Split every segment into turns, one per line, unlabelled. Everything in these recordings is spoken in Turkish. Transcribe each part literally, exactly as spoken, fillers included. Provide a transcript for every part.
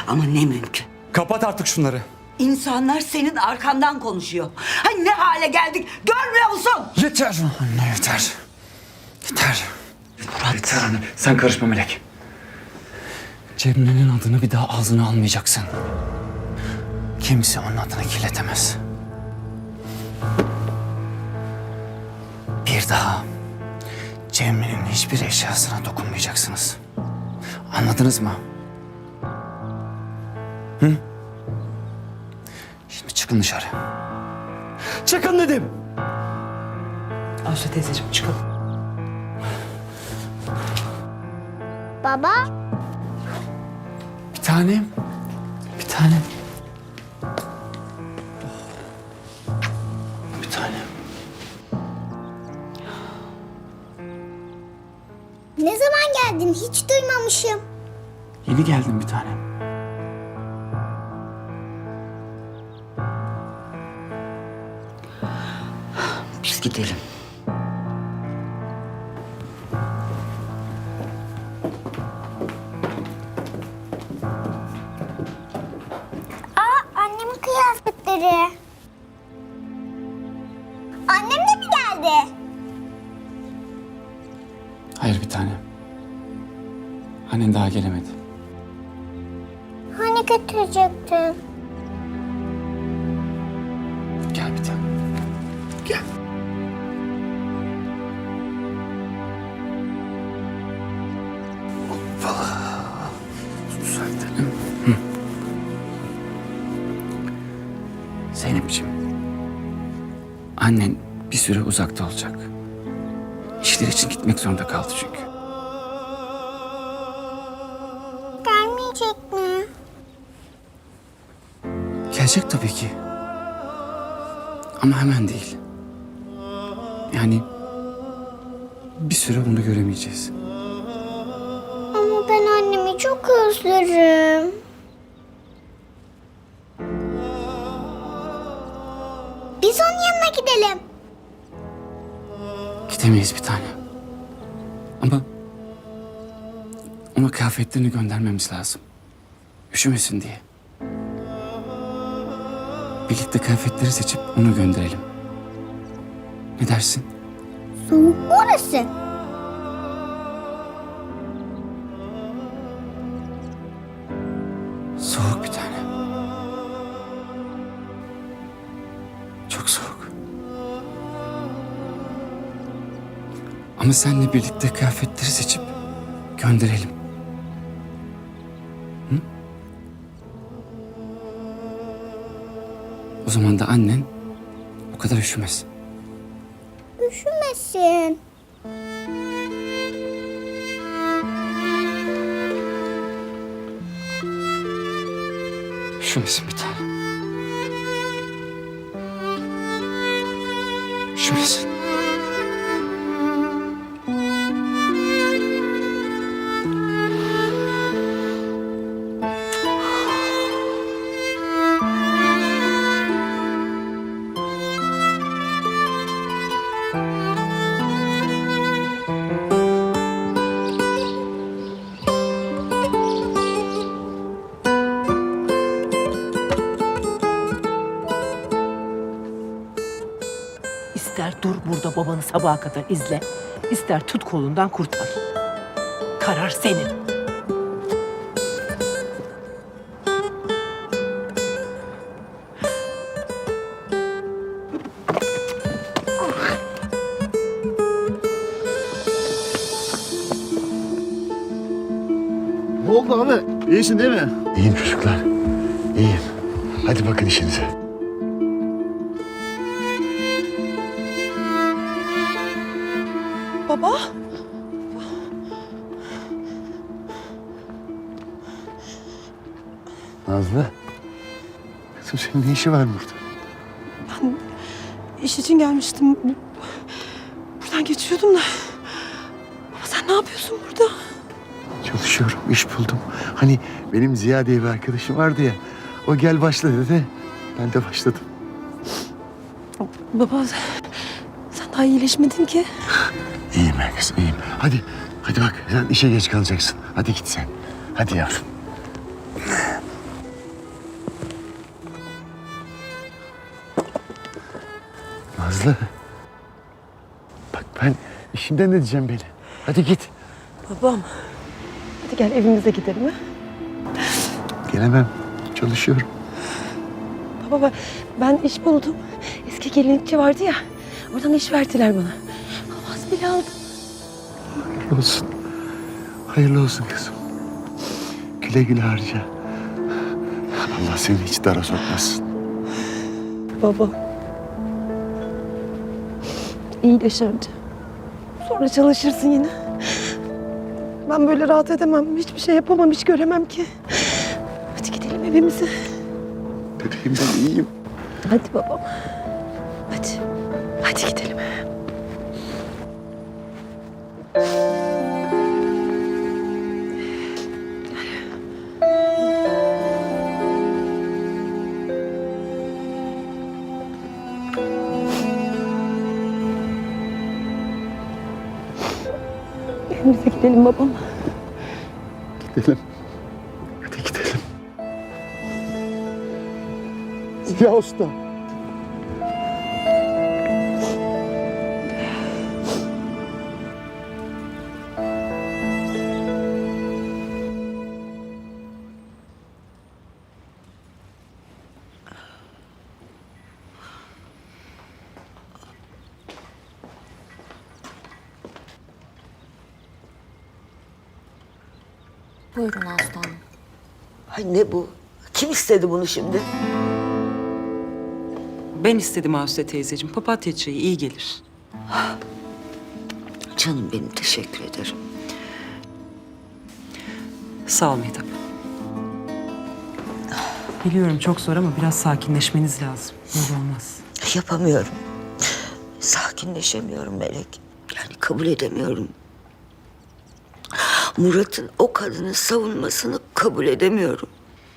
Ama ne mümkün.
Kapat artık şunları.
İnsanlar senin arkandan konuşuyor. Hani ne hale geldik görmüyor musun?
Yeter anne, yeter. Yeter.
Murat.
Yeter anne. Sen karışma Melek. Cemre'nin adını bir daha ağzına almayacaksın. Kimse onun adını kirletemez. Bir daha Cemre'nin hiçbir eşyasına dokunmayacaksınız. Anladınız mı? Hı? Şimdi çıkın dışarı. Çıkın dedim.
Ayşe teyzeciğim çıkalım.
Baba,
Bir tanem. Bir tanem. Bir tanem.
ne zaman geldin? Hiç duymamışım.
Yeni geldim bir tanem.
Biz gidelim.
Aa, annemin kıyafetleri. Annem de mi geldi?
Hayır bir tanem. Annen daha gelemedi.
Hani götürecektin?
Gel bir tanem. Gel. Hoppala. Düzeltelim. Hı. Zeynep'ciğim. Annen bir süre uzakta olacak. İşler için gitmek zorunda kaldı çünkü.
Gelmeyecek mi?
Gelecek tabii ki. Ama hemen değil. Yani bir süre onu göremeyeceğiz.
Ama ben annemi çok özlerim. Biz onun yanına gidelim.
Gidemeyiz bir tane. Ama ona kıyafetlerini göndermemiz lazım. Üşümesin diye. Birlikte kıyafetleri seçip onu gönderelim. Ne dersin?
Soğuk orası.
Soğuk bir tane. Çok soğuk. Ama seninle birlikte kıyafetleri seçip gönderelim. Hı? O zaman da annen o kadar üşümez.
Üşümesin.
Üşümesin bir tane. Üşümesin.
İster dur burada babanı sabaha kadar izle, ister tut kolundan kurtar. Karar senin.
Ne oldu abi? İyisin değil mi? İyiyim çocuklar. İyiyim. Hadi bakın işinize.
Baba?
Nazlı. Kızım senin ne işi var burada?
İş için gelmiştim. Buradan geçiyordum da. Ama sen ne yapıyorsun burada?
Çalışıyorum, iş buldum. Hani benim Ziya diye bir arkadaşım vardı ya. O gel başla dedi. Ben de başladım.
Baba sen daha iyileşmedin ki.
İyiyim ben kızım, iyiyim. Hadi, hadi bak sen işe geç kalacaksın. Hadi git sen. Hadi yavrum. Nazlı. Bak ben işimden ne diyeceğim beni. Hadi git.
Babam. Hadi gel evimize gidelim ha.
Gelemem. Çalışıyorum.
Baba ben iş buldum. Eski gelinlikçi vardı ya. Oradan iş verdiler bana. Havas bile aldım.
Hayırlı olsun. Hayırlı olsun kızım. Güle güle harca. Allah seni hiç dara sokmasın.
Baba. İyileş önce. Sonra çalışırsın yine. Ben böyle rahat edemem. Hiçbir şey yapamam, hiç göremem ki. Hadi gidelim evimize.
Bebeğim ben iyiyim.
Hadi babam. Hadi. Hadi gidelim. Evimize gidelim babam.
Gidelim. Hadi gidelim. Ziya Usta.
Buyurun aslanım.
Ay ne bu? Kim istedi bunu şimdi?
Ben istedim Aslı teyzeciğim. Papatya çayı iyi gelir.
Canım benim, teşekkür ederim.
Sağ ol Mehtap. Biliyorum çok zor ama biraz sakinleşmeniz lazım. Böyle olmaz.
Yapamıyorum. Sakinleşemiyorum Melek. Yani kabul edemiyorum. Murat'ın o kadını savunmasını kabul edemiyorum.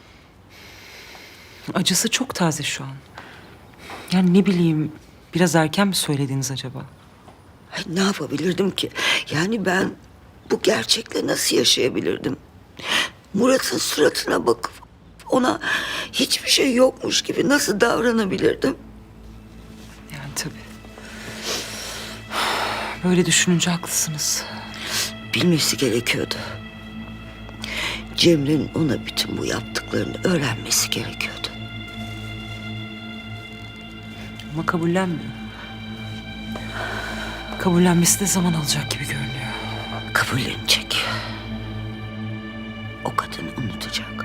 Acısı çok taze şu an. Yani ne bileyim, biraz erken mi söylediniz acaba?
Ay, ne yapabilirdim ki? Yani ben bu gerçekle nasıl yaşayabilirdim? Murat'ın suratına bakıp ona hiçbir şey yokmuş gibi nasıl davranabilirdim?
Yani tabii. Böyle düşününce haklısınız.
Bilmesi gerekiyordu. Cemre'nin ona bütün bu yaptıklarını öğrenmesi gerekiyordu.
Ama kabullenmiyor. Kabullenmesi de zaman alacak gibi görünüyor.
Kabullenecek. O kadını unutacak.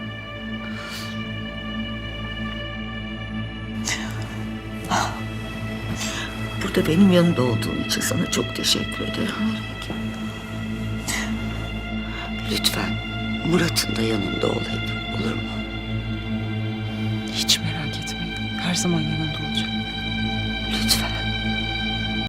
Burada benim yanımda olduğun için sana çok teşekkür ederim Melek. Lütfen Murat'ın da yanında ol hep, olur mu?
Hiç merak etmeyin. Her zaman yanında olacağım.